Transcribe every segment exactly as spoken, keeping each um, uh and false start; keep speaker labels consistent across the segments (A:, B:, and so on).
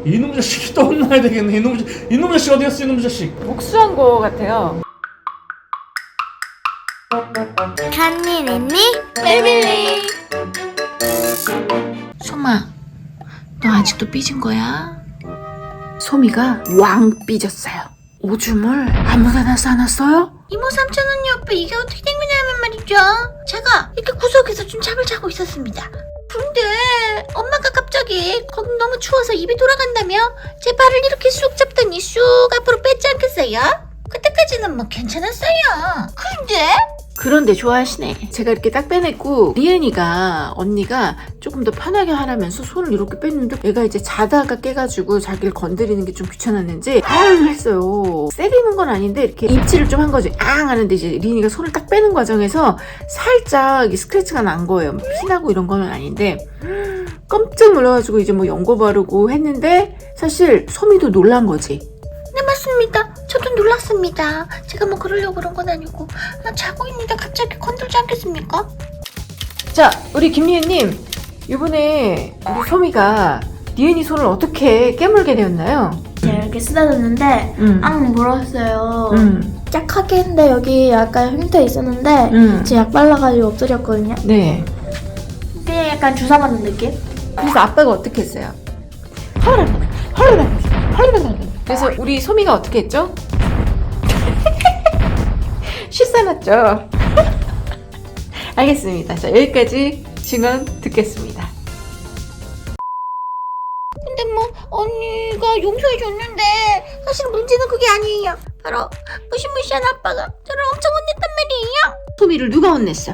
A: 이놈 자식이 또 혼나야 되겠네. 이놈 자식, 이놈 자식 어디 갔어? 이놈 자식.
B: 복수한 거 같아요.
C: 간니 랜니 패밀리.
D: 소마, 너 아직도 삐진 거야? 소미가 왕 삐졌어요. 오줌을 아무데나 싸놨어요?
C: 이모 삼촌 언니 오빠 이게 어떻게 된 거냐면 말이죠. 제가 이렇게 구석에서 좀 잠을 자고 있었습니다. 근데 엄마가 갑자기 거기 너무 추워서 입이 돌아간다며 제 발을 이렇게 쑥 잡더니 쑥 앞으로 뺐지 않겠어요? 그때까지는 뭐 괜찮았어요. 근데
D: 그런데 좋아하시네. 제가 이렇게 딱 빼냈고 리엔이가 언니가 조금 더 편하게 하라면서 손을 이렇게 뺐는데 얘가 이제 자다가 깨가지고 자기를 건드리는 게 좀 귀찮았는지 아를 했어요. 때리는 건 아닌데 이렇게 입질을 좀 한 거지. 앙 하는데 이제 리엔이가 손을 딱 빼는 과정에서 살짝 이 스크래치가 난 거예요. 피나고 이런 거는 아닌데 깜짝 놀라가지고 이제 뭐 연고 바르고 했는데 사실 소미도 놀란 거지.
C: 네 맞습니다. 저도 놀랐습니다. 제가 뭐 그러려고 그런 건 아니고 아, 자고 있는데 갑자기 건들지 않겠습니까?
B: 자, 우리 김리은님, 이번에 우리 소미가 리은이 손을 어떻게 깨물게 되었나요?
E: 제가 이렇게 쓰다듬는데
B: 음.
E: 앙 물었어요.
B: 음.
E: 짝하게 했는데 여기 약간 흉터 있었는데
B: 음.
E: 제가 약 발라가지고 엎드렸거든요.
B: 네.
E: 그냥 약간 주사 맞는 느낌?
B: 그래서 아빠가 어떻게 했어요? 헐르르, 헐르르, 헐르르. 그래서 우리 소미가 어떻게 했죠? 씻어놨죠. 알겠습니다. 자, 여기까지 증언 듣겠습니다.
C: 근데 뭐 언니가 용서해줬는데 사실 문제는 그게 아니에요. 바로 무시무시한 아빠가 저를 엄청 혼냈단 말이에요.
D: 소미를 누가 혼냈어?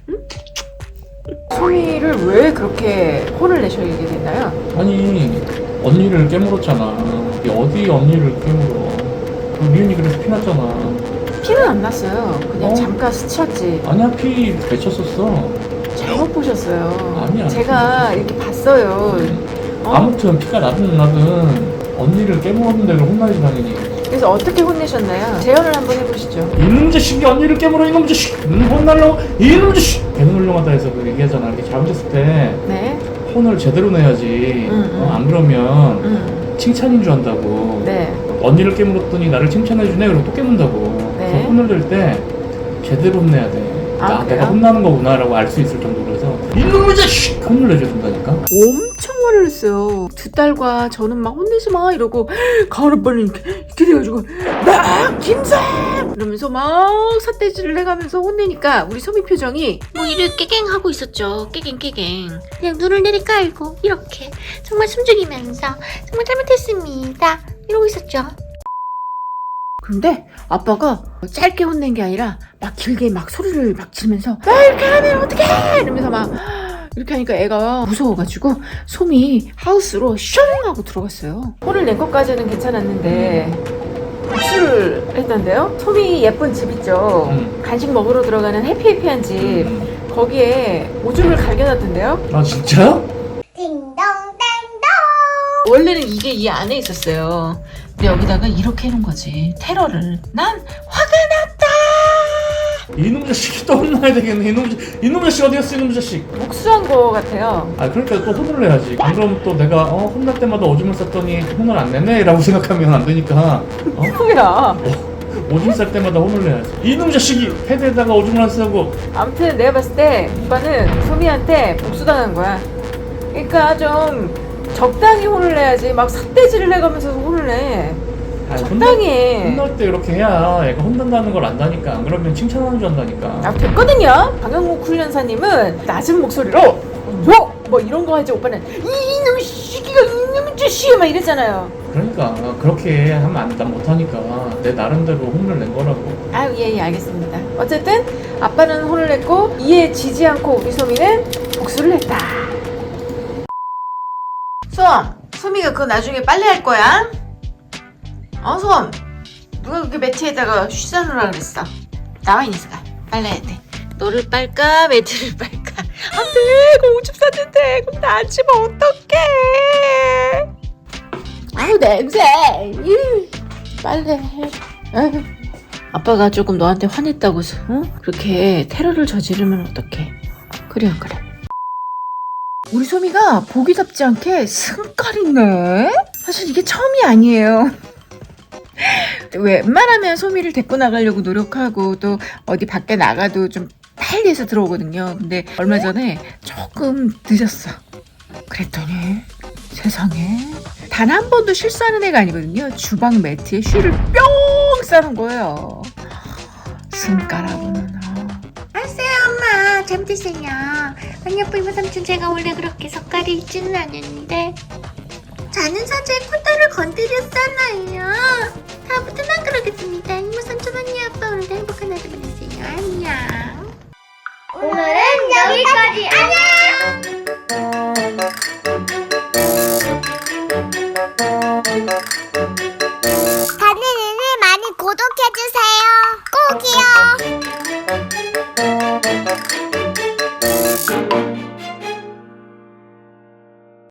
B: 소미를 왜 그렇게 혼을 내셔야 됐나요?
A: 아니 언니를 깨물었잖아. 이게 어디 언니를 깨물어? 그 리은이 그래서 피났잖아.
B: 피는 안 났어요. 그냥
A: 어?
B: 잠깐 스쳤지.
A: 아니야 피 맺혔었어.
B: 잘못 보셨어요.
A: 아니야.
B: 제가 이렇게 봤어요. 어?
A: 아무튼 피가 나든 나든 언니를 깨물었는데 그걸 혼나야지 당연히.
B: 그래서 어떻게 혼내셨나요? 재현을 한번 해보시죠.
A: 이놈 자식이 언니를 깨물어 이놈 자식. 음, 혼날라고 이놈 자식. 개놀령하다 해서 그 얘기하잖아. 이렇게 잘못했을 때
B: 네.
A: 혼을 제대로 내야지.
B: 음, 음.
A: 어, 안 그러면
B: 음.
A: 칭찬인 줄 안다고.
B: 네.
A: 언니를 깨물었더니 나를 칭찬해주네. 그리고 또 깨문다고.
B: 네.
A: 그래서 혼을 낼 때 제대로 혼내야 돼.
B: 아,
A: 나,
B: 그래요?
A: 내가 혼나는 거구나라고 알 수 있을 정도로 해서 이놈의 자식! 혼을 내줘야 된다니까.
D: 엄청 화를 냈어요. 두 딸과 저는 막 혼내지 마 이러고 가을 오빠는 이렇게, 이렇게 돼가지고 나 김쌤 이러면서 막 삿대질을 해가면서 혼내니까 우리 소미 표정이
C: 뭐 이렇게 깨갱 하고 있었죠. 깨갱 깨갱. 그냥 눈을 내리깔고 이렇게 정말 숨죽이면서 정말 잘못했습니다. 이러고 있었죠.
D: 근데 아빠가 짧게 혼낸 게 아니라 막 길게 막 소리를 막 지르면서 나 이렇게 하면 어떡해 이러면서 막 이렇게 하니까 애가 무서워가지고 소미 하우스로 슝 하고 들어갔어요.
B: 혼을 낸 것까지는 괜찮았는데 복수를 했던데요? 소미 예쁜 집 있죠?
A: 음.
B: 간식 먹으러 들어가는 해피해피한 집.
A: 음.
B: 거기에 오줌을 갈겨놨던데요?
A: 아 진짜?
D: 원래는 이게 이 안에 있었어요. 근데 여기다가 이렇게 해놓은 거지. 테러를. 난 화가 났다.
A: 이놈 자식이 또 혼나야 되겠네. 이놈 자식, 이놈 자식 어디 갔어? 이놈 자식.
B: 복수한 거 같아요.
A: 아 그러니까 또 혼을 내야지. 안 그러면 또 내가 어 혼날 때마다 오줌을 쌌더니 혼을 안 내네? 라고 생각하면 안 되니까 어?
B: 뭐야?
A: 오줌 쌀 때마다 혼을 내야지. 이놈 자식이 패드에다가 오줌을 안 싸고.
B: 아무튼 내가 봤을 때 오빠는 소미한테 복수당한 거야. 그러니까 좀 적당히 혼을 내야지 막 삿대질을 해가면서 혼을 내.
A: 아,
B: 적당히 해.
A: 혼날 때 이렇게 해야 애가 혼난다는 걸 안다니까. 안 그러면 칭찬하는 줄 안다니까.
B: 아 됐거든요. 강영국 훈련사님은 낮은 목소리로 뭐! 뭐 이런 거 하지. 오빠는 이놈 시기가 이놈 자식이 막 이랬잖아요.
A: 그러니까 그렇게 하면 안, 난 못하니까 내 나름대로 혼을 낸 거라고.
B: 아유 예, 예 알겠습니다. 어쨌든 아빠는 혼을 냈고 이에 지지 않고 우리 소미는 복수를 했다.
D: 솜! 소미가 그거 나중에 빨래 할 거야? 어, 솜! 누가 그렇게 매트에다가 쉬사놓으라 그랬어? 나와 있으니까 빨래해야 돼. 너를 빨까 매트를 빨까. 안 돼! 그거 오줌 쌌는데 그럼 나 안 치면 어떡해. 아우 냄새. 이 빨래해. 아유. 아빠가 조금 너한테 화냈다고 어? 그렇게 테러를 저지르면 어떡해. 그래 안 그래. 우리 소미가 보기답지 않게 승깔 있네. 사실 이게 처음이 아니에요. 웬만하면 소미를 데리고 나가려고 노력하고 또 어디 밖에 나가도 좀 빨리 해서 들어오거든요. 근데 얼마 전에 조금 늦었어. 그랬더니 세상에 단 한 번도 실수하는 애가 아니거든요. 주방 매트에 쉬를 뿅 싸는 거예요. 승가라고는.
C: 알았어요, 엄마. 잘못했어요. 아니, 아빠 이모 삼촌 제가 원래 그렇게 색깔이 있지는 않았는데 자는 사자의 콧대를 건드렸잖아요. 다음부터는 안 그러겠습니다. 이모 삼촌 언니 아빠 오늘도 행복한 하루 보내세요. 안녕. 오늘은 여기까지. 안녕.